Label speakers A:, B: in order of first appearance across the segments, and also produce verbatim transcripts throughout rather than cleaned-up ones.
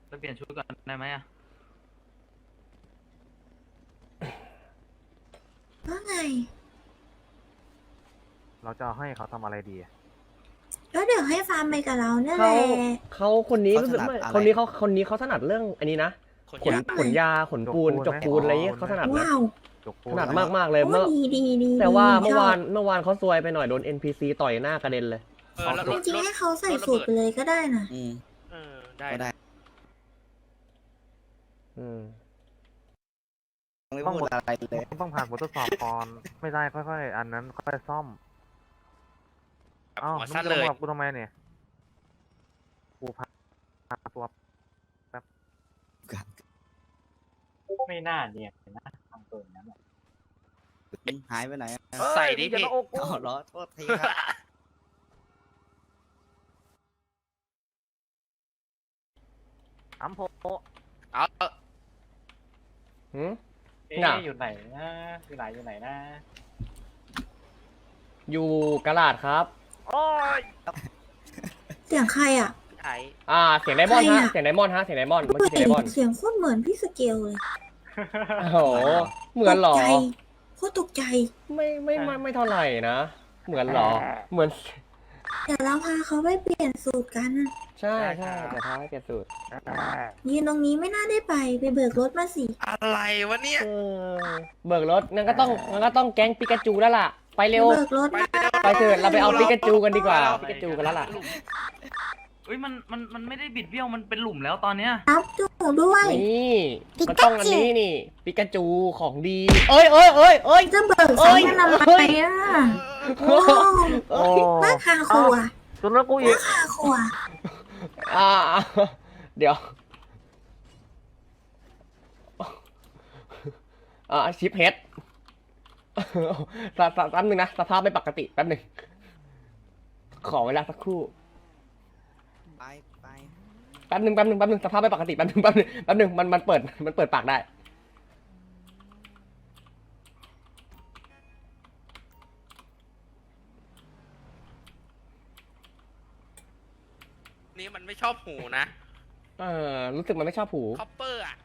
A: ไปเปลี่ยนชุดก่อนได้ไหมอะ
B: ว่าไง
C: เราจะให้เขาทำอะไรดี
B: แล้วเดี๋ยวให้ฟาร์มไปกับเราเนี่ยแห
D: เขา
B: ละ
D: เขาคนนี้รู้สึกไม่คนนี้เขาคนนี้เขาถนัดเรื่องอันนี้นะขนขนยาขนปูนจกปูนอะไรเงี้ยเขาถนัดนะ
B: ว้าว
D: ถนัดมากมากๆเลยเมื่อ
B: ดีดีดี
D: แต่ว่า
B: ดี
D: เมื่อ
B: ชบ
D: วานเมื่อวานเขาซวยไปหน่อยโดน เอ็น พี ซี ต่อยหน้ากระเด็นเลย
E: เออแล้ว
B: จ
E: รถ
B: ริง
E: ร
B: ๆ
E: ถ
B: ให้เขาใส่สูตรไปเลยก็ได้นะ
F: อืม
E: เออได้
F: ก็ได้
D: อืม
F: ไม่พูดอะไรเลย
C: ต้องผ่านบททดสอบก่อนไม่ได้ค่อยๆอันนั้นค่อยซ่อมอ้าว
E: หัว
C: มึง
E: สั้น
C: จะ
E: เลย
C: มากับกูทำไมเนี่ยกูพาตัว
A: ไม่น่าเนี่ยนะทำตัวอย่างนั้น
F: หายไปไหนอะ
E: ใส่ดิ
C: เฮ้ยอย่า
E: พี่
C: มาอกกู
F: อ๋อเหรอโทษทีครับ
C: อัมโพ
E: เอาเอา
D: หืม
A: เอ๊
D: น่ะ
A: ะอยู่ไหนนะอยู่ไหนอยู่ไหนนะ
D: อยู่กระลาดครับ
C: โอ้ย
B: เสียงใครอ่ะ
E: ไถ
D: อ่าเสียงไดมอนด์
B: ใคร
D: ฮะ
B: อะ
D: เสียงไดมอนด์ฮะเสียงไดมอนด์เมื่อกี้เสียงไดมอนด์
B: เสียงโคตรเหมือนพี่สเกลเลย
D: โอ้โหเหมือนเหรอ
B: ตกใจโคตรตกใจ
D: ไม่ไม่ไม่ไม่เท่าไหร่นะเหมือนเหรอเหมือน
B: เดี๋ยวเราพาเขาไปเปลี่ยนสูตรกัน
D: ใช่ใช่แต่ท้ายเปลี่ยนสูตร
B: ยืนตรงนี้ไม่น่าได้ไปไปเบิกรถมาสิ
E: อะไรวะเนี่ย
D: เออเบิกรถงั้นก็ต้องงั้นก็ต้องแก๊งปิกาจูแล้วล่ะไปเร็ว
B: เบิกรถ
E: ไป
B: มา
E: เร็ว
D: ไปเถิดเราไปเอาปิกาจูกันดีกว่า
E: เอ
D: ปิกาจูกันแล้วล่ะ
A: เฮ้ยมันมันมันไม่ได้บิดเบี้ยวมันเป็นหลุมแล้วตอนเนี้ย
B: รับจูด้วย
D: นี่มันต้องอันนี้นี่ปิกาจูของดี เอ้ยเอ้ยเอ้ยเอ้ย
B: จะเบิก
D: เอ้
B: ซ้ำ
D: ย
B: กันทำไมอ่ะโอ้
C: โอ้
B: บ้าคาครัว
C: จนแล้วกูอีก
B: คาครัว
D: อ่าเดี๋ยวอ่าชิปเฮดแป๊บแป๊บนึงนะสภาพไม่ปกติแป๊บนึงขอเวลาสักครู่
F: ไปไป
D: แป๊บนึงแป๊บนึงแป๊บนึงสภาพไม่ปกติแป๊บนึงแป๊บนึงแป๊บนึงมันมันเปิดมันเปิดปากได้
E: นี่มันไม่ชอบหูนะ
D: เออรู้สึกมันไม่ชอบหู
E: คอปเปอร์อ่ะ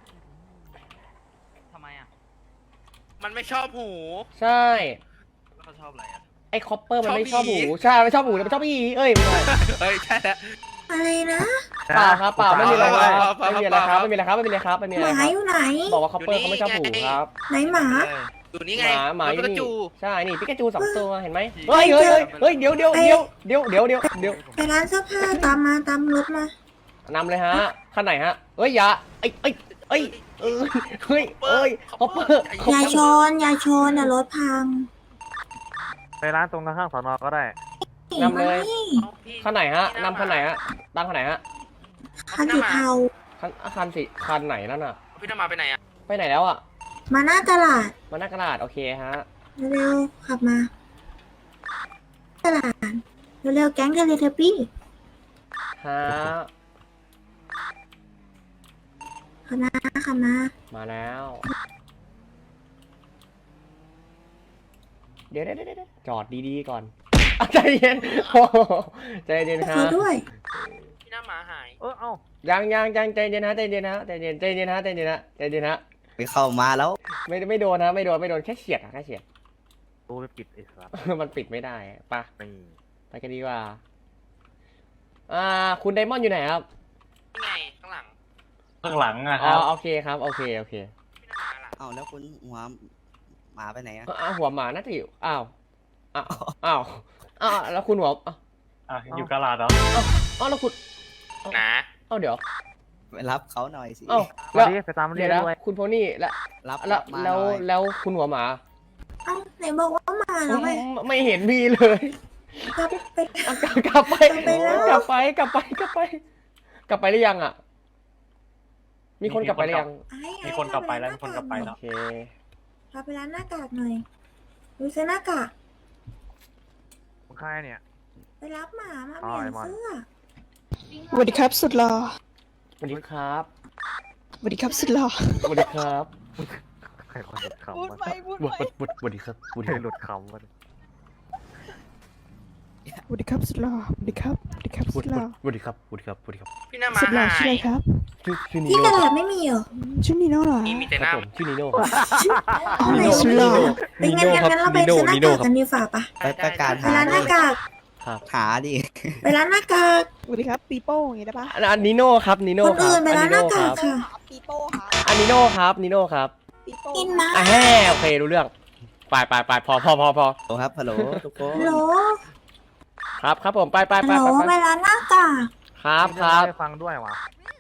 A: ทำไมอะ
E: มันไม่ชอบหู
D: ใช่
A: แล้วเขาชอบอะไรอะ
D: ไอ้คอปเปอร์มันไม่ช
E: ช
D: อ
E: อ
D: บบ หู
E: ผี
D: ใช่ไม่ชอบหูแต่มันชอบอีเอ้ยไม่ใช่
E: เฮ้ยใช่แล้ว
B: อะไรนะ
D: เปล่าครับเปล่าไม่มีอะไรครับ
E: เปล่า
D: ไม่มี
E: เป
D: อะไร
E: ล่า
D: ครับไม่มีอะไรครับไม่มีอะไรครับไม่มี
B: ห
D: อะไร
B: มา
D: ครับ
B: อยู่ไหน
D: บอกว่าคอปเปอร์เขาไม่ชอบหูครับ
B: ไหนหมา
A: เออ
E: อยู่นี่
D: ห
E: ไง
D: มาหมาอ
E: ปิ
D: ยู่
E: กา
D: นี่
E: จู
D: ใช่นี่ปิกาจูสองตัวเห็นไหม
A: เฮ้
D: เฮ้ย
A: ย
D: เฮ้ยเฮ้ยเดี๋ยวเดี๋ยวเดี๋ยวเดี๋ยวเดี๋ยวเดี๋ยวเดี๋ยว
B: ไปร้านเสื้อผ้าตามมาตามรถมา
D: นำเลยฮะขั้นไหนฮะเอ้ยอย่าไอ้ไอ้ไอ้เอ้ยเฮ้ยเอ้ยคอปเปอร์
B: อย่าชนอย่าชนอย่ารถพัง
C: ไปร้านตรงข้างๆสอนอก็ได้
D: นำเลย
B: ไม่
E: เอาพี่
D: ขั้นไหนฮะ
E: พี่
D: นำขั้นไหนฮะตามขั้นไหนฮะ
B: คันสีเทา
D: ขั้นคันสิคันไหนนั่นอ่ะ
E: พี่น้ำมาไปไหนอ่ะ
D: ไปไหนแล้วอ่ะ
B: มาหน้าตลาด
D: มาหน้ากระดาษโอเคฮะ
B: เร็วๆขับมา ตลาดเร็วๆแก๊งเทเลทปี้
D: ฮะ
B: ขับมาขับมา
D: มาแล้ว เดี๋ยวเดี๋ยวเดี๋ยวจอดดีๆก่อนอ่ะใจเย็นโอ้โหใจเย็นฮะ
B: เขาด้วย
E: พี่น้ำหมาหาย
C: เออเอ้า
D: ยังยังยังใจเย็นฮะใจเย็นฮะใจเย็นใจเย็นฮะใจเย็นฮะใจเย็นฮะ
F: ไปเข้ามาแล้ว
D: ไม่ไม่โดนนะไม่โดนไม่โดนแค่เฉียดอะแค่เฉียด
C: ตูไปปิดไอ้สัส
D: มันปิดไม่ได้อะไปะ
C: นี่
D: ไปกันดีกว่า อ่า คุณไดมอนด์อยู่ไหนครับ
E: นี่ไงข้างหลัง
A: ข้างหลังอะค
D: อ๋อ
A: รับ
D: โอเคครับโอเคโอเค
E: พี่น้ำหมาล่ะ
F: เอ้าแล้วคุณหัวหมาไปไหนอะ
D: อ้าวหัวหมาน่าจะอยู่อ้าวอ้าวอ้าวอ้าวแล้วคุณหัวอ้าว
A: อ่ะอยู่กะลาดเหรอ
D: อ้าวแล้วคุณ
E: นะ
D: อ้าวเดี๋ยว
F: ไปรับเขาหน่อยสิ
D: อ้าว
C: มา
D: แล้ว
C: ดิไปตามเรี
D: เดี๋
C: ย
D: ย
C: ก
D: วนะ
C: ด้วย
D: คุณโพนี่แล้ว
F: รับ
D: แล้ว
F: มาห
D: แล้ว
F: น่อย
D: แล้วคุณหัวหมา
B: เอ้าไหนบอกว่ามาแล้วไง
D: ไม่เห็นมีเลย
B: กลับไป
D: อ่ะกลับกลับไป
B: กลับไปแล้ว
D: กลับไปกลับไปกลับไป กลับไปหรือยังอ่ะ มีคนกลับไปหรือยัง
B: ไอ้ไอ้
A: มีคนกลับไปแล้วมีคนกลับไป
D: โอ
A: แล้ว
D: เค
B: พาไปร้านหน้ากากหน่อยดูเสื้อหน้ากาก
C: มึงใครเนี่ย
B: ไปรับหมามา
C: อ๋
B: เป
C: อ
B: ลี่ยน
C: ไอ้มอน
B: เสื้อ
G: สวัสดีครับสุดหล่อ
D: สวัสดีครับ
G: สวัสดีครับสุดหล่อ
D: สวัสดีครับ
C: ใครคนหลุดคำ
G: พูด
C: วะ
G: ไปพูด
D: สวัส
G: ไป
D: ดีสวัสดีครับสวัส
C: ใคร
D: ดี
C: หลุดคำวะ
G: สวัสดีครับสุดหล่อสวัสดีครับสวัสดีครับสุดหล่อ
C: สวัสดีครับสวัสดีครับสวัสดีครับ
E: พี่หน้าหมา
G: สุดหล่อ
E: หา
G: ชื่ออะไร
E: ย
G: ครับ
C: ชื่อชื่อนี
B: ที่
C: โน่
B: ตลาดไม่มีเหรอ
G: อืมชื่อนีโน่เหรอ
E: มีมีแต่
C: ค
E: ห
C: รั
E: น้า
C: บผมชื่อนีโน่
B: เอาไหน
G: สุดหล่อ
B: เป็นงั้นงั้นงั้นเราไปซื้อหน้ากากกันดีฝ่าปะ
F: ไปประกาศ
B: ไป
F: หา
B: ร้านห
F: ดิ
B: น้ากาก
C: ครับ
F: หาดิ
B: ไปร้านหน้ากาก
G: สวัสดีครับปีโป้อย่างงี้ได้ปะ
D: อันอันนิโน่ครับนิโน่
B: คน
D: ครั
B: อื่
D: บ
B: นไป
D: อัน
B: ร้าน
D: นิ
B: หน้า
D: โน่ค
B: กาก
D: รับ
B: ค่ะ
G: ปีโป้ค่ะ
D: อันนิโน่ครับนิโน่ครับ
G: ปีโป้
B: กินนะ
D: อ่ะแฮ่โอเครู้เรื่องไปไปไปพอพอพอพอ
F: โอ้ครับฮัลโหลทุกคน
B: ฮัลโหล
D: ครับครับผมไปไป
B: ฮัล
D: ไป
B: โหล
D: ไป
B: ไป
D: ไป
B: ร้านหน้ากาก
D: ครับครับ
C: ให้ฟังด้วยวะ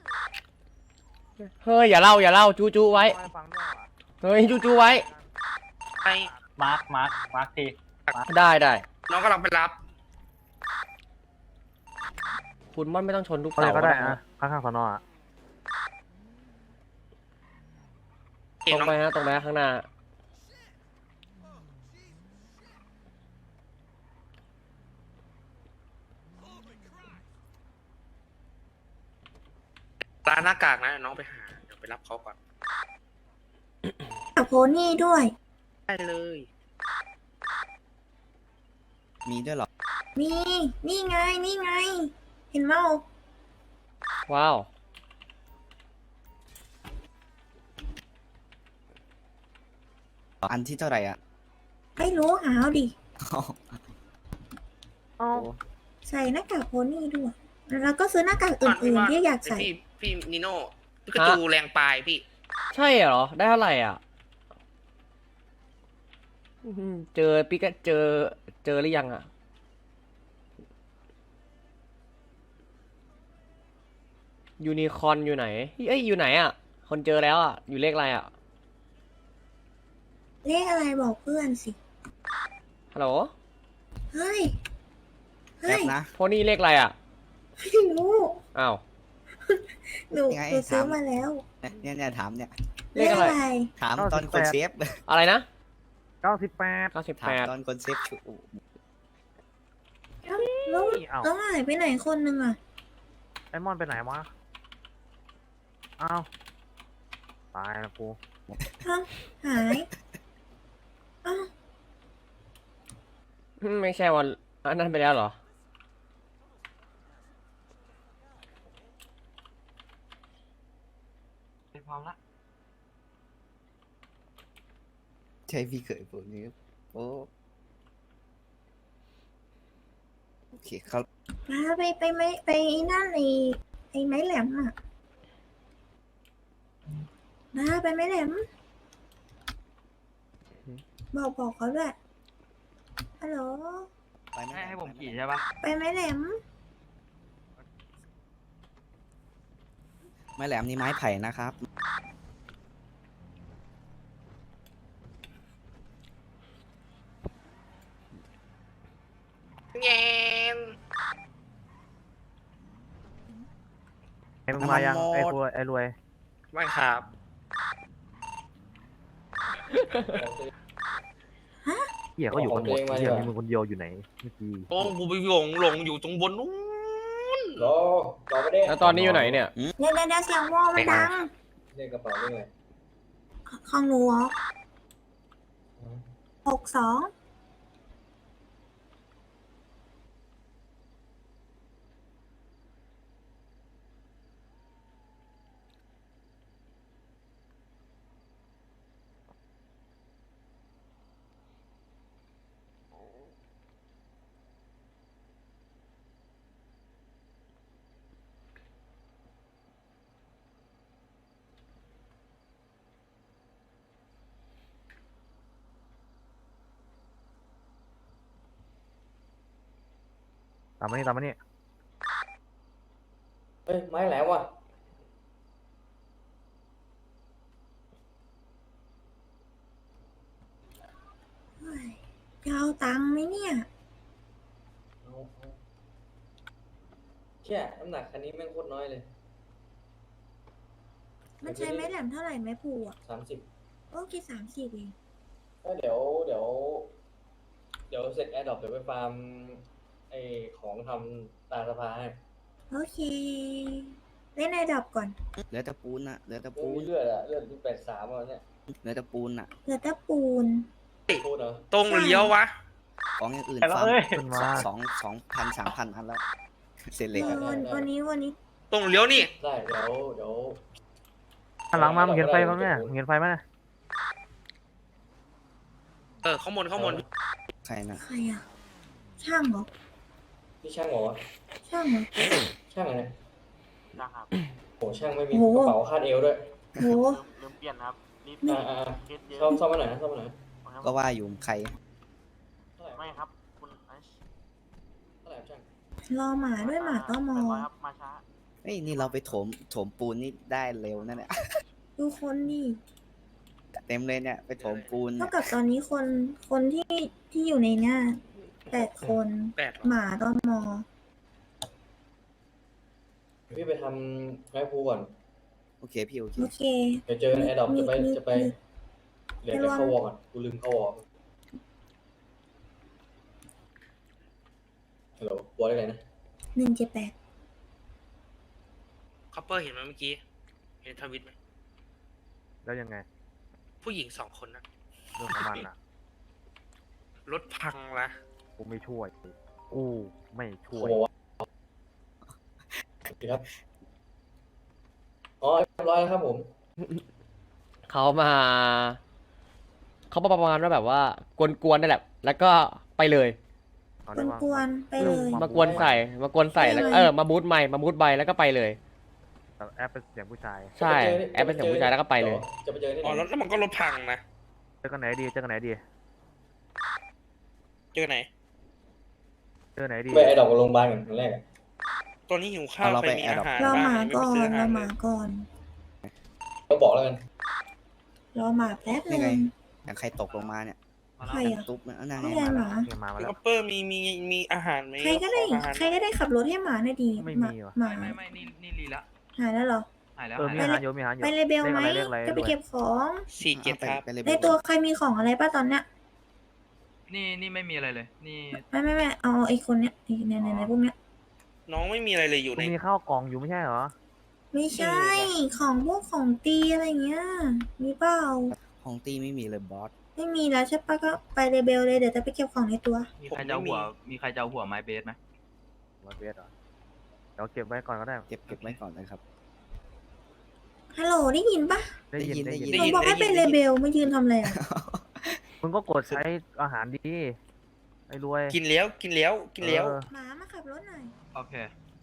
D: เฮ้ยอย่าเล่าอย่าเล่าจู้จู้ไว้
C: ให้ฟังด้วยวะ
D: เฮ้ยจู้จู้ไว้
E: ไป
A: มาร์คมาร์คมาร์คที
D: ได้ได้
E: น้องกำลังไปรับ
D: คุณม่อนไม่ต้องชนทุก
C: อะไร
D: เสา
C: ก็ได้
D: นะ
C: นะข้างๆสอนออะ
E: เห็
D: ต
E: น
D: รง
E: น้อง
D: ไปฮะตรงไปฮะข้างหน้า
E: ร้านหน้ากากนะน้องไปหาเดี๋ยวไปรับเขาก่อน
B: กับโพนี่ด้วย
E: ได้เลย
F: มีด้วยเหรอ
B: นี่ นี่ไง นี่ไง เห็นเมา
D: ว้าว
F: อันที่เท่าไหร่อ่ะ
B: ไม่รู้หาเอาดิ
C: เอ้า
B: ใส่หน้ากากโพนี่ด้วย แล้วก็ซื้อหน้ากาก
E: ก่อน
B: อื่น
E: ว่า
B: ๆที่อยากใส่
E: พี่พี่นิโน่พี่กระจูแรงปลายพี่
D: ใช่เหรอได้เท่าไหร่อ่ะอื้อหือเจอปิกะเจอเจอหรือยังอ่ะยูนิคอร์นอยู่ไหนเอ้ยอยู่ไหนอ่ะ คนเจอแล้วอ่ะอยู่เลขอะไรอ่ะ
B: เลขอะไรบอกเพื่อนสิ
D: ฮัลโหล
B: เฮ้ย
F: แป๊
B: เฮ้
F: บ
B: ย
F: นะ
D: โพนี่เลขอะไรอ่ะ
B: ไม่รู้
D: อ้าว
B: หนู
F: ยังไง
B: หนูซื้อ
F: ถาม
B: มาแล้ว
F: เนี่ยเนี่ยถามเนี่ย
D: เลขอะไร
F: ถามตอนคนเซฟ
D: อะไรนะ
C: เก้าสิบแปด
D: เก้าสิบ
F: ถา
D: แป
F: ม
D: ด
F: ตอนคนเซฟชู
B: แล้วแล้ว
C: เอ้า
B: แล้วหายไปไหนคนหนึ่งอ่ะ
C: ไอ้มอนไปไหนวะเอ้าตายแล้วกู
B: ฮะหายอ้าว
D: ไม่ใช่วันอันนั้นไปแล้วเหรอ
A: พร้อมละ
F: ใช่พี่เขยผมนี่โอ้โอเคเขา
B: มาไปไปไม้ไปไอ้นั่นไอ้ไอ้ไม้แหลมอ่ะมาไปไม้แหลม บอกบอกเขาด้วยฮัลโหล
F: ไปไหม
A: ให้ให้ผมขี่ใช่ปะ
B: ไปไม้แหลม
F: ไม้แหลมนี่ไม้ไผ่นะครับ
E: แงน
C: ไอ้มึงมายังไอ้รวยไอ้รวย
E: ไม่ครับ
C: เหี้ยเขาอยู่กันหมดเหี้ยมีมึงคนเดียวอยู่ไหนเมื่อกี้
E: โอ้กูไปหลงหลงอยู่ตรงบนนู้น
D: แล้วตอนนี้อยู่ไหนเนี่ย
B: เดี๋ยวเดี๋ยวเดี๋ยวเสียงวอลมันดัง
H: เรียกกระเป๋าเรื่องอะไร
B: ของหนูเหรอหกสอง
C: ตามมานี่ตามมานี่
H: เอ้ย ไม้แหลมว่ะ
B: เฮ้ยจะเอาตังค์ไหมเนี่ย
H: เอาเอาเชี่ยน้ำหนักคันนี้แม่งโคตรน้อยเลย
B: มันใช้ไม้แหลมเท่าไหร่ไม้ผูอ่ะ
H: สามสิบ
B: โอ้กี่สามสิบเอง
H: ก็เดี๋ยวเดี๋ยว เดี๋ยวเสร็จแอร์ดรอปเดี๋ยวไปฟาร์มไอของทำตาสภาให้
B: โอเค เล่นในดับก่อน
F: เหลือแต่ปูนอะเหลือแต่
H: ปู
F: ปูน
H: เลือดอะเลือดที่แปดสามอ่ะเนี่ย
F: เหลือแต่ปูนอะ
B: เหลือแต่ปูน
H: ปูนเหรอ
E: ตรงหรือเลี้ยววะ
F: ของอย่างอื่น
A: ไปแล้ว
F: ฟาร์ม
A: เอ้ย
C: ขึ้นมา
F: สองสองพันสามพันอันแล้ว เสร็จเลย
B: เอ
F: ครับ
B: อวันวันนี้วันนี้
E: ตรงเลี้ยวนี่
H: ได้เดี๋ยวเดี๋ยว
C: หันหลังมามึงเห็นไฟมั้ยเนี่ยมึงเห็นไฟมั้ย
E: เออข้างบนข้างบน
F: ใครนะ
B: ใครอะช่างเหรอ
H: พี่ช่างเหรอวะ
B: ช่างเหรอ
H: ช่างอะไร
A: นะครับ
H: โหช่างไม่มี
B: โอ้
H: ก
B: โห
H: ระเป๋าคาดเอวด้วย
B: โห
A: ลืมเปลี่ยนครับรีบ
H: อ่าอ่าซ่อมซ่อมมาหน่อยนะซ่อมมาหน่อย
F: ก็ว่าอยู่ใคร
H: เท่าไหร่
A: ไม่ครับคุณไอซ์
H: เท่าไหร่ช่าง
B: รอหมาด้วยหมาก็มอง
A: ครับมาช้า
F: เฮ้ยนี่เราไปโถมโถมปูนนี่ได้เร็วนั่นแหละ
B: ดูคนดิ
F: เต็มเลยเนี่ยไปโถมปูน
B: เท่า
F: เนี่ย
B: กับตอนนี้คนคนที่ที่อยู่ในเนี้ยแปดคน
E: แปด
B: หมาก็มอง
H: พี่ไปทำไม้พูก่อน
F: โอเคพี่โอเค
B: โอเค
H: เดี๋ยวเจอกันแอร์ดรอปจะไป
B: มี
H: จะไป
B: มี
H: เดี๋ยวจะเข้าวอร์ก่อนกูลืมเข้าวอร์ฮัลโหลวอร์ได้ไงนะ
B: หนึ่งเจ็ดแปด
E: คัพเปอร์เห็นไหมเมื่อกี้ เห็นทวิตไหม
C: แล้วยังไง
E: ผู้หญิงสองคนนะ
C: เรื่องของมันอ่ะ
E: รถพังละ
C: กูไม่ช่วยกูไม่ช่วย
H: โอ้โหสวัสดีครับ อ๋อเรียบร้อยแล้วครับผม
D: เขามาเขาประมาณว่าแบบว่ากวนๆนั่นแหละ แล้วก็ไปเลย
C: เอา
B: ก
C: ได้
B: วน
C: ว่าก
B: วนๆไปเลย
D: มากวนใส่มากวนใส่แล้ว
B: ไม่
D: เออมาบูทใหม่มาบูทใบแล้วก็ไปเลย
C: แต่แอปเป็นเสียงผู้ชาย
D: ใช่แอปเป็นเสียงผู้ชายแล้วก็ไปเลย
H: จะไปเจอที่ไห
E: อ๋อน แล้วแล้วมันก็รถพังนะ
C: เจอกันไหนดีเจอกันไหนดี
E: เจอไหน
C: เจอไหนดี
H: ไปไอ้ดอกกับโรงพยาบาลกันครั้งแรกอะ
E: ตอนนี้หิวข้าว
F: เอาเรา
E: ใคร
F: ไป
E: มี
F: แอร์
E: อา
F: ดรอป
E: หาร
B: รอ
E: บ้าง
B: หมา
E: ยังไม่
B: ก่
E: ไป
B: อน
E: ซื้อ
B: ร
E: อา
B: อ
E: หาร
B: ห
E: เล
B: มาย ก่อน
H: ก็บอกแล้วกัน
B: รอหมาแป๊บห
F: นี่ไง
B: นึง
F: อย่างใครตกลงมาเนี่ย
B: ใคร
F: อย่าง
B: อะ
F: ตุ๊บเนี่ยนั่น
B: นี่
F: ไง
B: ไงหมา
C: เนี่ยมามาแล้ว
E: คัพเปอร์มีมีมีอาหารไหม
B: ใครก็ได้
E: ขออาหาร
B: ใครก็ได้ขับรถให้หมาหน่อยดี
C: ไม่
B: หมา
C: มีว่ะ
B: หมา
A: ไม่ไม่นี่นี่รีละ
B: หายแล้วเหรอ
A: หายแล้ว
C: เออมี
A: หาย
C: อา
A: แล้ว
C: หารอยู่มีอาหารอยู่
B: ไปเลเบลไหม
C: เลขอะไรเลขอะไร
B: จะไปเก็บของ
E: สี่เจ็ดครับ
F: ไปเลย
B: ในตัวใครมีของอะไรป่ะตอนเนี้ย
A: นี่นี่ไม่มีอะไรเลย นี่
B: ไม่ไม่ไม่เอาไอ้คนเนี้ยไอ้ในในในพวกเนี้ย
E: น้องไม่มีอะไรเลยอยู่
C: กู
E: ใน
C: มีข้าวกล่องอยู่ไม่ใช่เหรอ
B: ไม่ใช่ ของพวกของตีอะไรเงี้ย มีเปล่า
F: ของตีไม่มีเลยบอส
B: ไม่มีแล้วใช่ปะก็ไปเลเบลเลยเดี๋ยวจะไปเก็บของในตัว
A: มีใครจะเอาหัว มีใครจะเอาหัวไม้เบสไหม
C: มาเบสเหรอเดี๋ยวเก็บไว้ก่อนก็ได้
F: เก็บเก็บไว้ก่อนเลยครับ
B: ฮัลโหลได้ยินปะ
C: ได้ยิน
F: ได้
C: ได้
F: ยิ
C: ยิ
F: น
C: น
B: ผมบอกให้ไปเลเบลไม่ยืนทำอะไรอ่ะ
C: มึงก็กดใช้อาหารดีไอ้รวย
E: กินแล้วกินแล้วกินแล้ว
C: เออ
B: หมามาขับรถหน่อย
A: โอเค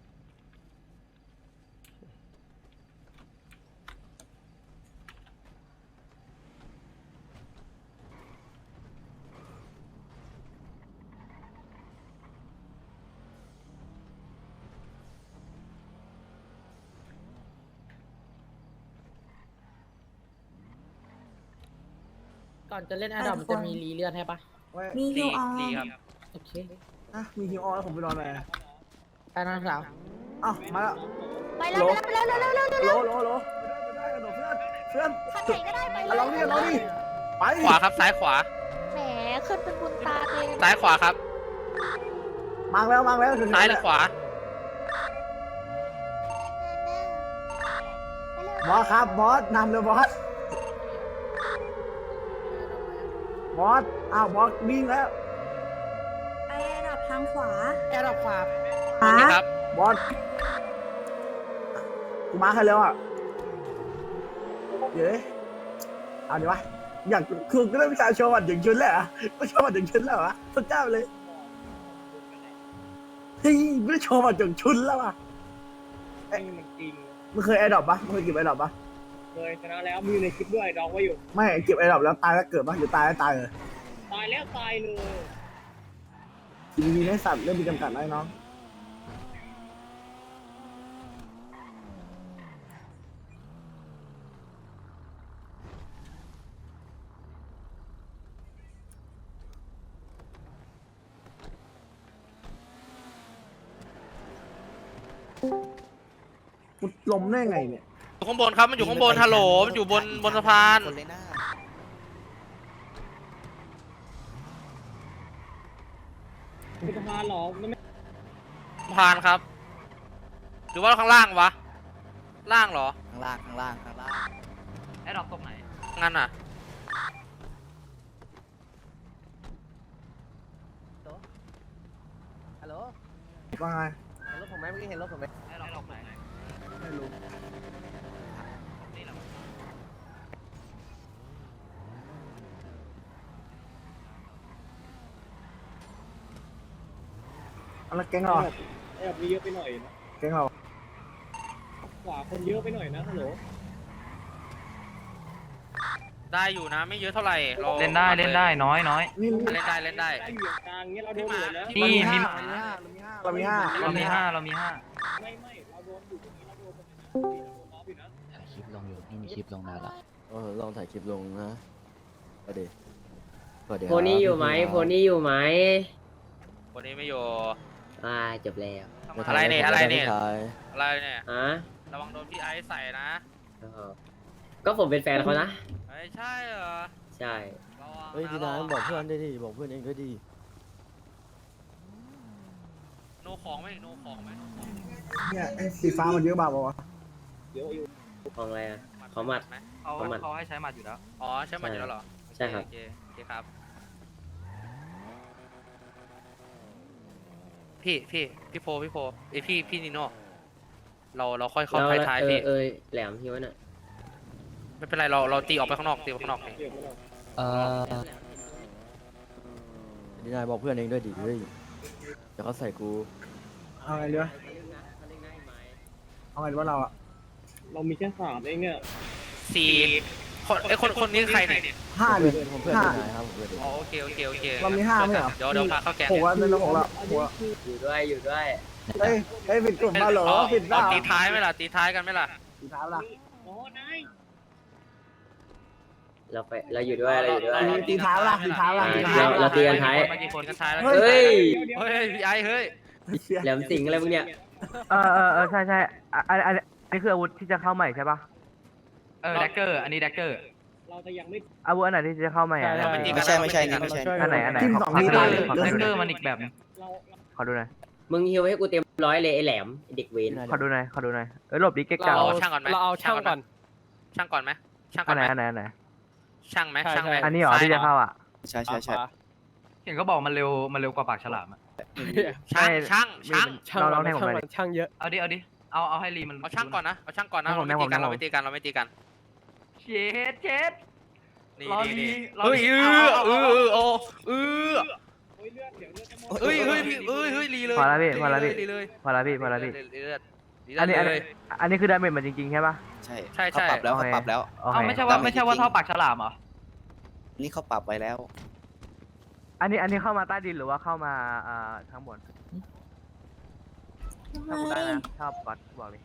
I: ก่อนจะเล่นแอดดอมจะมีรีเลือดให้ปะ
B: มีฮิวออ
E: ดี
B: น
E: ครับ
I: โอเค
J: อ่ะมีฮิวออนแล้วผมไปนอนไหน
I: ไปนอนสาว
J: อ้าวมาแล้ว
G: ไปแล้วไปแล้วไปแล้วเร็วเร็วเร็ว
J: โหลโหลโหลไม่ได้กระโดดเพื่อนเพื่อน
G: ขับไหนก็ได้ไป
J: อ่ะลองดิลองดิไป
E: ขวาครับซ้ายขวา
G: แหมขึ้นเป็นบุญตาเลย
E: ซ้ายขวาครับ
J: มังแล้วมังแล้วถึง
E: ซ้ายหรือขวา
J: บอสครับบอสนำเลยบอสบอสอ้าวบอสวิ่งแล้ว
B: ไประดับทางขวา
I: แอดดอมขวา
B: ขวา
E: นี่ครับ
J: บอสกูมาให้แล้วอ่ะเดี๋ยวดิเอาดีวะอยากคือก็ได้วิชาโชว์วัดอย่างชุนแล้วอ่ะไม่โชว์วัดอย่างชุนแล้วอ่ะสุดยอดไปเลยเฮ้ยไม่ได้โชว์วัดอย่างชุนแล้วอ่ะ
H: มันจริง
J: มึงเคยแอร์ดรอปปะมึงเคยเก็บแอร์ดรอปปะ
H: เคยชนะแล้วมีในคลิปด้วยดองไว้อยู่
J: ไม่เก็บแอร์ดรอปแล้วตายแล้วเกิดปะหรือตายแล้วตายเลย
H: ตายแล้วตายเลย
J: ทีนี้ให้สัตว์เริ่มมีจำกัดแล้วน้องกูล้มได้ไงเนี่ย
E: อยู่ข้างบนครับ มันอยู่ข้างบนฮัลโหลมันอยู่บนบนสะพาน
F: คนเลยนะ
H: เป็นสะพานหรอมันไม่
E: สะพานครับ หรือว่าข้างล่างวะ ล่างเหรอ
F: ข้างล่างข้างล่างข้างล่าง
A: แอดดอปตรงไหน
E: งั้นอ่ะ
A: ตรง
J: ว่าไง
D: เห็นรถผมไหมเมื่อกี้เห็นรถผมไหม
A: ให้เราลองไหน
J: ไม่รู้
A: นี่แหละ
J: เอาละแก๊งเราอะ
H: แอบมีเยอะไปหน่อยนะ
J: แก๊งเรา
H: ขวาคนเยอะไปหน่อยนะฮัลโหล
E: ได้อยู่นะ ไม่เยอะเท่าไหร่รา
A: เล่นได้เล่นได้น้อยน้อย
J: นี่
E: เล่นได้เล่นได้
H: ได้อยู่กลางเงี้ยเราโดนอยู่นะ
A: นี่มี
J: เรามีห้าเรามีห้า
A: เรามีห้าเรามีห้า
H: ไม่ไม่เราโดนอยู่ตรงนี้เราโดนตรงนี้นะเราโดนน้องอยู่นะ
F: ถ่ายคลิปลงอยู่ไม่มีคลิปลงนานละ
K: เออลองถ่ายคลิปลงนะก็ดีก็ดี
I: โพนี่อยู่ไหมโพนี่อยู่ไหม
E: วันนี้ไม่อยู่
I: อ่าจบแล้ว
E: อะไรเนี่ยอะไรเนี่ย
K: ถ่าย
E: อะไรเนี่ย
I: อ่ะ
E: ระวังโดนพี่ไอซ์ใส่นะ
I: ก็ผมเป็นแฟนเขานะ
E: เฮ้ยใช่เหรอ
I: ใช่
E: ระวัง
K: เฮ้ยดี
E: ระ
K: นะ
E: วัง
K: บอกเพื่อนได้ดิบอกเพื่อนเองก็ดี
E: โนของไหมโนของไหม
J: เนี่ยไอ้สีฟ้ามันเยอะบ้าปะวะ
H: เดี๋ยวอยู่
I: ของอะไรอ่ะ ของหมัด
E: ไหม
A: เขา
I: ประมาณ
A: เขาให้ใช้หมัดอยู่แล้ว
E: อ๋อใช่มันอยู่แล้วเหรอ
I: ใช่ครับ
E: โอเคโอเคครับ พี่พี่พี่โพพี่โพเอยพี่พี่นิโน่เราเราค่อยเข้า
I: แล้ว
E: ท้าย
I: เอ
E: ๆ
I: อ
E: พี่
I: เออแหลมพี่วะน่ะ
E: ไม่เป็นไรเราเราตีออกไปข้างนอกตีออกไปข้างนอกนี่
H: เดี๋ยวไม่ต้อง
F: เออ
K: ดีนายบอกเพื่อนเองด้วยดิเฮ้ยเดี๋ยวเขาใส่กู
J: เอาไงดีวะเอาไงดีวะเราอะ
H: เรามีแค่สามเองเนี่ย
E: สี่คนไอยคนคนนี้ใครเนี่ย
J: ห้าดิ
K: เพื่อนผมเพื่อน
J: ห้า
K: ดีนายครับผมเพื่อนดี
E: อ๋อโอเคโอเคโอเค
J: เรามีห้าไม่เหรอ
E: เดี๋ยวเดี๋ยวพาเข้าแกง
J: หกวันเป็นเราหกละหกละ
I: อยู่ด้วยอยู่ด้วย
J: เฮ้ยเฮ้ยผิดกลุ่มมาเหรอ
E: เอา
J: ผิดบ้า
E: เอาตีท้ายไหมล่ะตีท้ายกันไหมล่ะ
J: สีฟ้าละ
H: โอ้นาย
I: เราไปเราอยู่ด้วยเราอยู่ด้วย
J: ตีตีเท้าละตีเท้าละตี
I: เรา
J: เท้า
I: เรา
J: ละ
I: ตีกันท้าย
E: มากี่คนกันท้ายแล้ว
J: เฮ้
I: เฮ้ย
E: เฮ้ยพี่ไอเฮ้ย
I: แหลมสิงอะไรพวกเนี้ย
C: เออเออเออใช่ใช่อ่ะอันอันอันนี้คืออาวุธที่จะเข้าใหม่ใช่ปะ
A: เออแดกเกอร์อันนี้แดกเกอร์
H: เราจะยังไม่
C: อาวุธอันไหนที่จะเข้าใหม่อ่ะ
E: เราไม่ตีกั
F: ไม่
E: น
F: ใช่ไม่ใช่นี่ไม่ใช่
C: อันไหนอันไหน
J: ทีม
C: ข
J: สอง
C: ข
J: มี
C: ดู
J: ได้
C: หน่อย
J: เลย
C: ขอ
A: แดก
C: ดู
A: เก
C: ห
A: อ
C: น่อย
A: ร์มันอีกแบบนึง
H: เรา
C: ขอดูหน่อย
I: มึงฮิวให้กูเต็มร้อยเลยไอ้แหลมไอ้เด็กเวน
C: ขอดูหน่อยขอดูหน่อยเออหลบดิเก๊กเก่า
E: เราเอาช่างก่อนไหม
I: เราเอาช่างก่อน
E: ช่างก่อนไหมช่างก่
C: อั
E: อน
C: นไห
E: ไห
C: น
E: ม
C: อันไหนอันไหน
E: ช่างไหมช่างไหม
C: อันนี้เหรอที่จะเข้าอ่ะ
F: ใช่ใช่ใช่
A: เห็นเขาบอกมันเร็วมันเร็วกว่าปากฉลามอะ
E: ช่างช่างช่าง
C: เราลองให้ผมหน่อยดิ
I: ช่างเยอะ
A: เอาดิเอาดิเอาเอาให้รีมัน
E: เอาช่างก่อนนะเอาช่างก่อนนะ
C: ให้ผ
E: เรา
C: ม
E: ไม่ตีกัน
C: ให้ผม
E: เราไม่ตีกันเราไม่ตีกัน
A: เช็ดเช็ด
E: นี่
A: รอ
E: นี่
A: ดี
E: นี่
A: รอ
E: เฮ้ย
A: ดี
E: เออ
A: เอา
E: เอ
A: เอา
E: อ
A: เอา
E: เออเออ
H: โอ้ยเลือดเดี๋ยวเลือดจะหมด
E: เฮ้ยเฮ้ยพี่เฮ้ยเฮ้ยรีเลย
C: พอแล้วพี่พอแล้วพี่
E: รีเลย
C: พอละพี่พอละพี่
E: รีเลยรีเลย
C: อันนี้อัน
E: รี
C: นี้
E: เลย
C: อันนี้คือดาเมจมันจริงๆใช่ปะ
F: ใช่
E: ใช่ใช่
F: เขาปรับแล้ว
C: โอ
F: เขา
C: เค
F: ปรับแล้ว
C: โอเค
A: เอาไม่ใช่ว่าไม่ใช่ว่าเท่าปากฉลามเหรอ
F: นี่เขาปรับไว้แล้ว
C: อันนี้อันนี้เข้ามาใต้ดินหรือว่าเข้ามาอ่าข้างบน
B: ทำไม
C: ถ้ากูได้นะชอบกดบอกเลย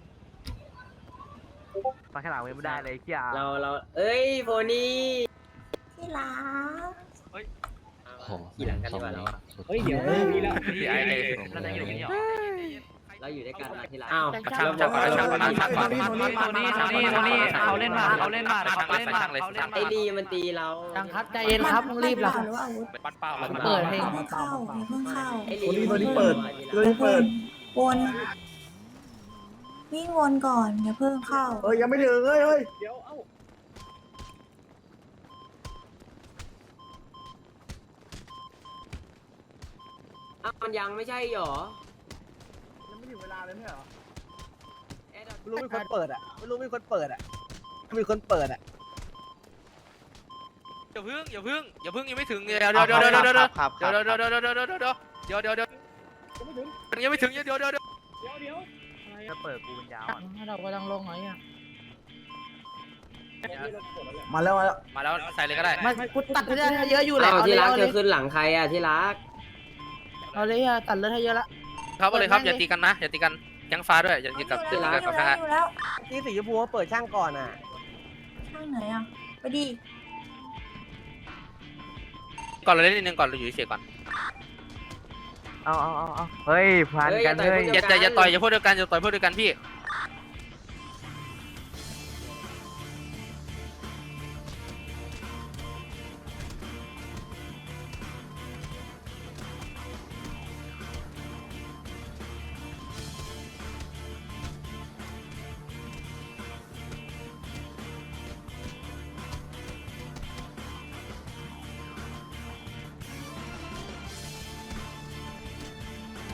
C: ปลาฉลามยังไม่ได้เลยเขี้ย
I: เราเราเอ้ยโพนี่
B: ที่รัก
I: ขี่หลังกันดีกว่าเราอะ
H: เฮ้ยเดี๋ยวมีแล้ว
E: พี่ไอ้เลย
A: แล้วไหนอยู่นี่เหรอ
I: เราอยู่ด้วยกันนะที่รักอ้าว
E: ช่างช่างก่อนช่างก่อนช่างก่อน
A: โทนี่โทนี่โทนี่โทนี่เขาเล่นมาเขาเล่นมาเขาเล่นมาเขาเล่นมา
I: ไอ้ดีมันตีเรายังครับใจเย็นครับมึงรีบเหรอ
B: หรือว่าอาวุธ
E: ปั้นเป้า
I: เปิดเพลง
B: อย่าเพิ่งเข้าอย่าเพิ่งเข้า
I: ไอ้
J: ตัว
I: ลี
J: นี้ตัวนี้เปิดตัวนี้เปิด
B: วนวิ่งวนก่อนอย่าเพิ่งเข้า
J: เฮ้ยยังไม่ถึงเฮ้ยเฮ้ย
H: เดี๋ยวเอ้า
I: อ้าวมันยังไม่ใช่หรอ
J: ยังไม่ถึงเวลาเลยไม่เหรอ
I: แอดดอป
J: ไม่รู้มีคนเปิดอ่ะไม่รู้มีคนเปิดอ่ะมีคนเปิดอ่ะ
E: อย่าพึ่งอย่าพึ่งอย่าพึ่งยังไม่ถึงเดี๋ยวเดี๋ยวเดี๋ยวเดี๋ยวเดี๋ยวเดี๋ยว
F: ครับค
E: เดี๋
F: รั
E: ยว
F: บ
E: เดี๋ยวเดี๋ยวเดี๋ยวเดี๋ยวเดี๋ยวเดี๋ยวเดี๋ยวเดี๋ยวเดี๋ยว
H: ยังไม่ถึง
E: ยังไม่ถึงเดี๋ยวเดี๋ยวเดี๋ยว
H: เดี๋ยวเดี๋ยวอะไร
C: ถ้า
H: อะ
C: เปิดกูเป็นยาวอ่ะ
I: ให้เราก็ต้องลงหน่อยอ่ะ
J: มาแล้วมาแล้ว
E: มาแล้วใส่เลยก็ได้
I: ไม่กูตัดเลือดให้เยอะอยู่แหละที่รักเธอขึ้นหลังใครอ่ะที่รักเอาเลยอ่ะตัดเลือดให้เยอะละ
E: ครับเอาเลยครับอย่าตีกันนะอย่าตีกันยังฟ้าด้วยอย่าตีกับ
B: อ
E: อย่า
B: ยู่
E: ตี
B: แล้ว
E: กับ
B: อยู่
E: กับ
B: แล้ว
E: นะ
B: อยู่แล้ว
D: ที่สีชมพูเขาเปิดช่างก่อนอ่ะ
B: ช่างไหนอ่ะไปดิ
E: ก่อนเราเล่นนิดนึงก่อนเราอยู่เฉยๆก่อน
C: เอาเอาเอาเอาเฮ้ยพันกันเฮ้ย
E: อย่าอย่าอย่าต่อยอย่าพูดเดียวกันอย่าต่อยพูดเดียวกันพี่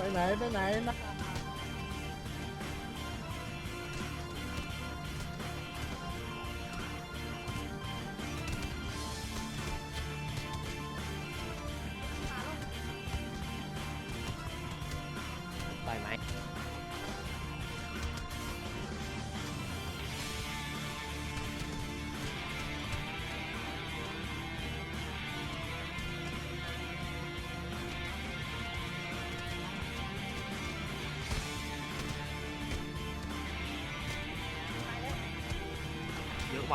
J: ไปไหนไปไหนนะ
D: ปล่อยไหม
A: เยอะว่ะ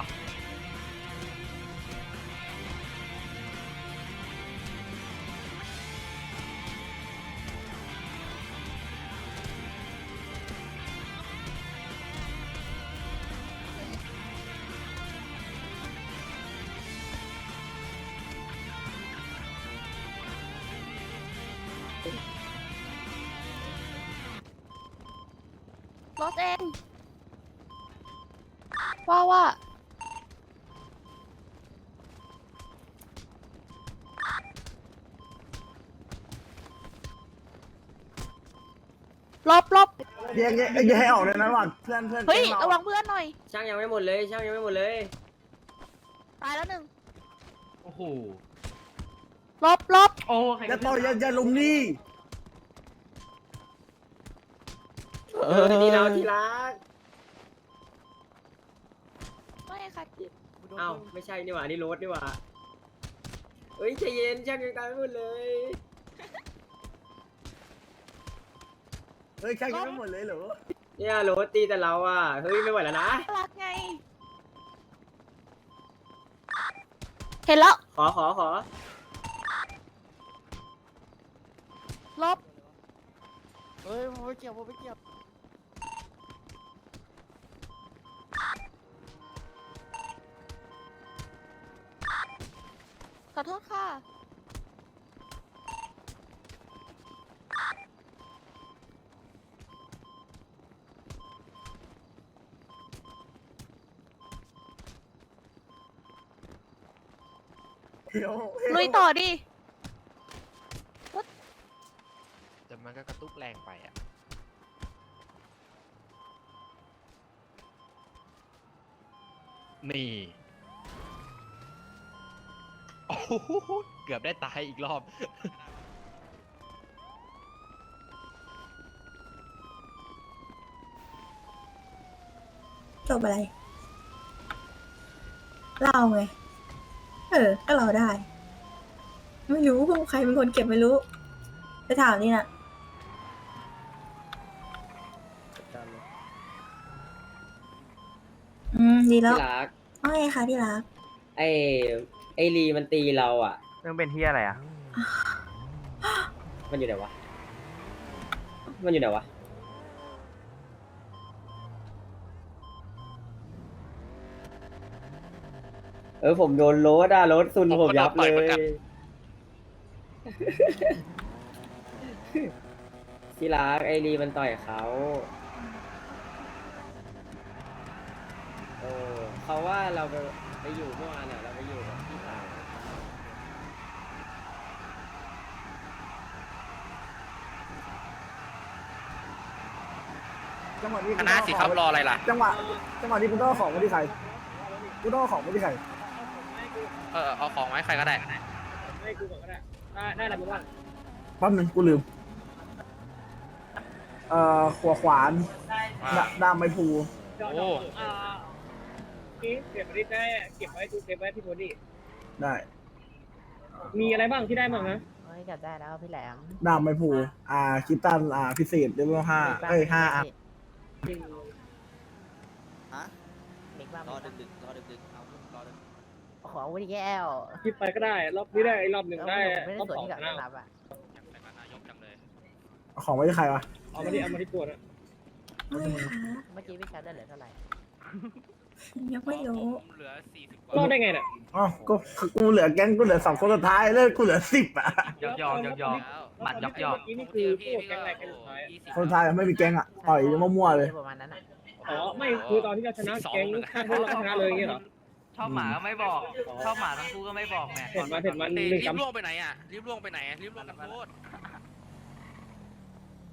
G: รถเอง ว่าว่า ลบลบ
J: แยกแยกแยกให้ออกเลยนะระหว่างเพื่อนเพื่อน
G: เฮ้ย
J: แก๊ง
G: ระ
J: เรา
G: วังเพื่อนหน่อย
I: ช่างยังไม่หมดเลยช่างยังไม่หมดเลย
G: ตายแล้วหนึ่ง
A: โอ้โห
G: ลบลบ
A: โอ้ใคร
J: อย่าต่อยอย่าอย่าลุมนี่
I: เออที่เราที่รัก
G: ไม่ค่ะ
I: เอ้าไม่ใช่นี่หว่านี่รถนี่หว่าเฮ้ยใจเย็นช่างยังตายไม่หมดเลย
J: เฮ้ยแค่ยังไม่หมดเลยเหรอ
I: เนี่ยรถตีแต่เราอ่ะเฮ้ยไม่ไหวแล้วนะ
G: รักไง เห็นแล้ว
I: ขอขอขอ
G: ลบ
I: เฮ้ยผมไม่เกี่ยวผมไม่เกี่ยว
G: ขอโทษค่ะ
J: เดี๋ยว
G: ลุยต่อดิ
E: แต่มันก็กระตุกแรงไปอ่ะ นี่ โอ้โหเกือบได้ตายอีกรอบ
B: จบอะไร เราไง เออ ก็เราได้ ไม่รู้พวกใครเป็นคนเก็บไม่รู้ ไปถามนี่นะอืม ดีแล้ว
I: ที่รัก
B: ว่าไงคะที่รัก
I: ไอไอรีมันตีเราอ่ะ
C: เรื่องเป็นที่อะไรอ่ะ
I: มันอยู่ไหนวะมันอยู่ไหนวะเออผมโดนรถอ่ะรถซุนผมยับเลย ที่รักไอรีมันต่อยเขาเออเขาว่าเราไปไปอยู่เมื่อวานเนี่ยเราไปอยู่กับพี่สาว
J: จังหวะนี้
E: คณะสิครับรออะไรล่ะ
J: จังหวะจังหวะนี้คุณต้องเอาของมาที่ใครคุณต้องเอาของมาที่ใคร
E: เออเอาของไว้ใครก็ได้
H: ให้กูก่อนก็ได้ได้ได้อะไรบ้าง
J: แป๊บนึงกูลืม เอ่อขวขวาน
E: อ่า
J: ดาดามไม้พลู
E: โอ้
H: อ่านี่เก็บไว้ได้เก็บไว้ดูเก็บไว้พี่โทนี่
J: ได้
H: มีอะไรบ้างที่ได้บ้างนะ
I: เฮ้ยจับได้แล้วพี่แหลม
J: ดามไม้พลูอ่าคิตตันอ่าพิเศษเลเวลห้าเอ้ยห้าอ่ะ
F: ฮะ
I: เด็กบ้าง
F: รอดึกๆรอดึกๆเอารอดึก
I: ขอวุ้ยแก้ว
H: คิดไปก็ได้ รอบนี้ได้รอบหนึ่งได้
I: ไม่ได้
H: รอบ
I: ส่วน
H: สอง
I: ที่กับ
H: นะ
I: รับอ่ะ
E: อยากใส่นายกจังเลย
J: เอาของไว้ที่ใครวะ
H: เอามาที่เอามาที่ตัวนะ
B: ว่าไงคะ
I: เมื่อกี้พี่ชัดได้เหลือเท่าไหร่
B: ยังไม่รู้
E: ผมเหลือสี่สิบกว่าร
H: อดได้ไงเนี่ย
J: อ๋อก็กูเหลือแก๊งกูเหลือสองคนสุดท้ายเลิกกูเหลือสิบอ่ะ
A: หยอกหยอกหยอกหยอก
E: แล้ว
A: หมัดหยอกหยอก
H: เมื่อกี้นี่คือพวกแก๊งอะไรกันสุดท้าย
E: ยี่สิบ
J: คนสุดท้ายไม่มีแก๊งอ่ะต่อยมั่วๆเลย
I: ประมาณนั้นอ่ะ
H: อ๋อไม่คือตอนที่เราชนะแก๊งข้างพวกเราก็ชนะเลยอย่างเงี้ยเหรอ
A: ชอบหมาก็ไม่บอก ชอบหมาทั้งคู่ก็ไม่บอกแหม
H: เห็นมันเห็นมันห
E: รี
H: นึ่ง
E: บ
H: กำ
E: ล่วงไปไหนอ่ะรีบล่วงไปไหนอะรีบล่วงกันโทษ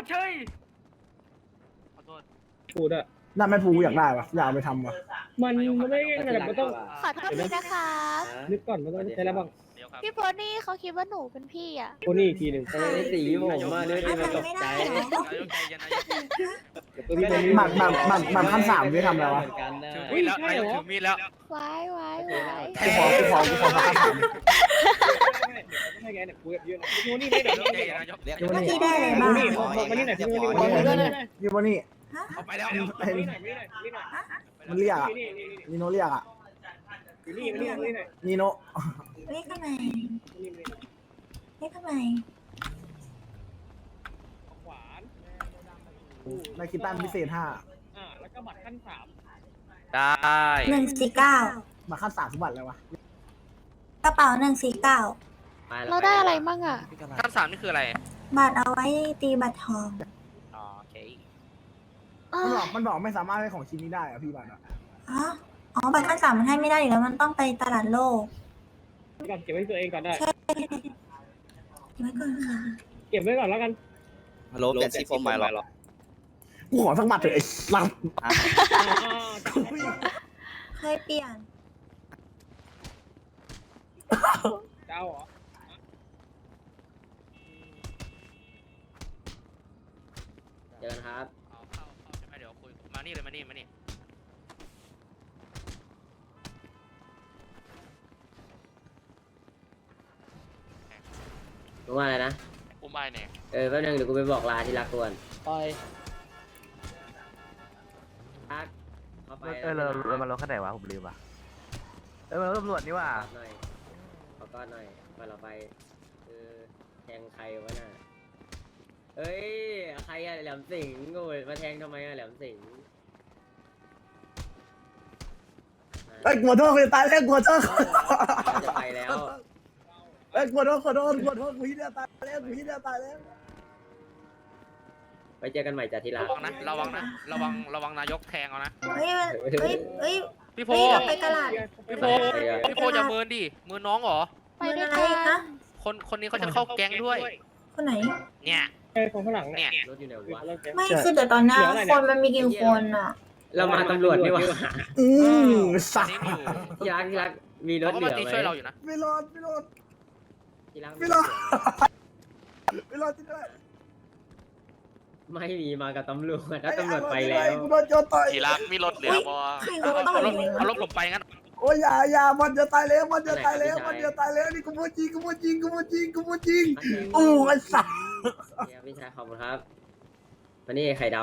A: เฉยขอโทษ
H: พูดอะ
J: นั่นไม่พูอยากได้ปะอยากเอาไปทำวะ
H: มันมันไม่ง่ายแต่มันต้อง
G: ขอโทษทีนะคะ
H: นึกก่อนมันต้องใช้แล้วบ้าง
E: เดี๋ยวครับ พี่
G: พี่โพนี่เขาคิดว่าหนูเป็นพี่อ่ะ
H: โคนี่อีกทีหนึ่ง
I: ทำไมไม่สีผมมาด้วยดิมันตกใจ
E: นายกใจเย็นนายก
J: หมักหมักหมักหมักขั้นสามที่ทำอะไรวะ
E: ถือมีดแล้วนายกถือมีดแล้ว
G: ไว้ไว้ไว้
J: กูขอกูขอกูขอหมักขั้นสาม
H: ไม่ไงเนี่ยคุยกับยืนโคนี่ไม่เดี๋ยว
E: ใจเย็นนายก
F: เรียก
J: ยู
B: เมื่อ
J: นี่
B: กี้ได้อะไร
H: โค
B: บ้าง
H: นี่บอกมานี่หน่อยพี่โคนี่
J: ยู
H: มา
J: นี่
H: นี่
J: ยูนี่
E: เอาไปแล้ว
H: นี่หน่อยนี่หน่อยนี่หน่อย
J: มันเรียกอะ
H: นี่นี่นี่
J: นีโนเรียกอะ
H: นี่นี่นี่หน่อย
J: นีโน
B: เรียกทำไม
H: นี่นี่
B: เรียกทำไม
H: ขวาน
J: ในคิดตั้งพิเศษห้า
H: อ่าแล้วก็บัตรขั้นสาม
E: ได้
B: หนึ่งสี่เก้า
J: หมักขั้นสามสมบัติอะไรวะ
B: กระเป๋าหนึ่งสี่เก้า
G: เราได้อะไรมั่งอ่ะ
E: ขั้นสามนี่คืออะไร
B: บัตรเอาไว้ตีบัตรทอง
E: อ๋อโอเค
J: มันบอกมันบอกไม่สามารถให้ของชิ้นนี้ได้อะพี่บัตรอะ
B: อ๋ออ๋อบัตรขั้นสามมันให้ไม่ได้อยู่แล้วมันต้องไปตลาดโลก
H: ก่อนเก็บไว้ตัวเองก่อนได้
B: ใช่เก็บไว้ก่อนค่ะ
H: เก็บไว้ก่อนแล้วกัน
F: ฮัลโหลเปลี่ยนซีโฟมใหม่หรอ
J: กูขอสักบัตรเถอะไอ้ล
B: เคยเปลี่ยน
H: เจ้าเหรอ
I: เจอกันครับ
E: เอาเข้าเข้าใช่ไหมเดี๋ยวคุยมานี่เลยมานี่มานี่
I: รู้ว่าอะไรนะ
E: อุ้มไอ้เนี่ย
I: เออแป๊บนึงเดี๋ยวกูไปบอกลาที่รักก่อน
H: ปล่อย
I: รักเข้าไป
C: เออเราเรามาลงขั้นไหนวะผมลืมว่ะเออเราตำรวจนี่ว่ะ
I: กอดหน่อยขอกอดหน่อยก่อนเราไปเออแทงใครวะน่ะเอ้ยใครอะแหลมสิงห์โง่มาแทงทำไมอะแหลมสิงห์
J: ำไอ้ยกลัวโทษกูจะตายแล้วกลัวโทษ
I: เราจะไปแล้ว
J: ไอ้ยกลัวโทษขอโทษกลัวโทษกูที่จะตายแล้วกูที่จะตายแล้ว
I: ไปเจอกันใหม่จ้ะที่รั
E: ระ
I: ก
E: วังนะระวังนะระวังระวังนายกแทงเอานะ
B: เฮ้ยมันเฮ้ยเฮ้ย
E: พี่โพ
B: เฮ้ยเราไปตลาด
E: พี่โพพี่โพจะเมินดิเมินน้องเหรอ
G: ไปด้วย
B: อะไร
G: กัน
B: นะ
E: คนคนนี้เขาจะเข้าแก๊งด้วย
B: คนไหน
E: เนี่ย
H: ไอ้คนข้างหลัง
E: เนี่
H: เนี่ย
E: ย
I: รถอยู่ไหนวะ
B: ไม่คือแต่ตอนหน้าคนมันมีกี่คนอ่ะ
I: เรามาตำรวจนี่หว่า
J: อืม
E: อั
J: สั
E: น
J: ต
E: นี้
J: ว์
E: มีอยู่
I: ที่รักที่รักมีรถ
E: เขา
I: เห
E: ก็
I: ลื
E: มา
I: อ
E: ตี
I: ไหม
E: ช่วยเราอยู่นะ
J: ไม่รอดไม่รอด
I: ที่รัก
J: ไม่รอด ไม่รอดที่ได้
I: ไม่มีมากับตำรวจถ้าตำรวจไปแล้ว
J: กูโดนโจรต่อย
E: ทีรักมีรถเหลือบ่
B: ใคร
E: เอา
B: เขาต่อย
E: รถ
B: เลย
E: เอารถผมไปงั้น
J: โอ้ยอย่าอย่ามันจะตายแล้วมันจะตายแล้วมันจะตายแล้วนี่กูพูดจริงกูพูดจริงกูพูดจริงกูพูดจริงโอ้ไอ้สัตว์
I: เนี่ยพี่ชายขอบคุณครับวันนี้ไข่ด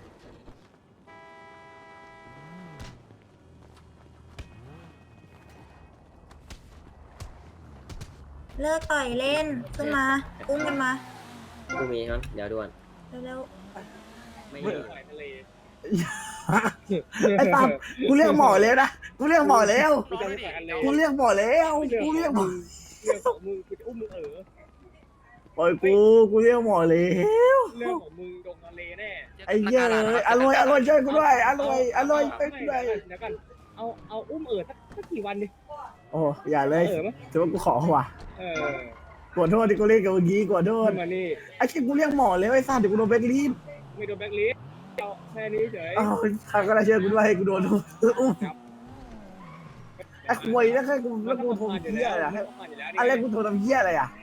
B: เลิกต่อยเล่นขึ้นมาอุ้มกันมา
I: ำกูมีครับเดี๋ยวด่วน
B: เร็ว
I: ไม่มี
H: ทะเล
J: ไอ้ปั๊มกูเรียกหมอแล้วนะกูเรียกหมอแล้ว
H: ไม่จำไม่กันเลย
J: กูเรียกหมอแล้วกูเรียกหมอ
H: เรื่องของมึงกูจะอุ้มมึงเออ
J: ปล่อยกูกูเรียกหมอแล้ว
H: เรื่องของมึงลงทะเลแน่
J: ไอ้เหี้ยเลยอร่อยอร่อยช่วยกูด้วยอร่อยอร่อยช่วยกูด้วย
H: เดี๋ยวกันเอาเอาอุ้มเออสักสักกี่วันดิ
J: โอ้อย่าเลย
H: เออมั้ย
J: ถือว่ากูขอว่ะ
H: เออก
J: ดโทษที่กูเรียกกับเมื่อกี้กดโทษ
H: มานี่
J: ไอ้ที่กูเรียกหมอแล้วไอ้สัตว์เดี๋ยวกูโดนแบล็คลิสต์
H: ไม่โดนแบล็คลิสต์เอาแค่นี้เฉย
J: อ้าวใครก็ได้ช่วยกูด้วยให้กูโดนอุ้มไอ้ควยแล้วแค่กูแล้วกูโทรเหี้ยอะไรอะอะไรกูโทรทำเหี้ยอะไรอ่ะ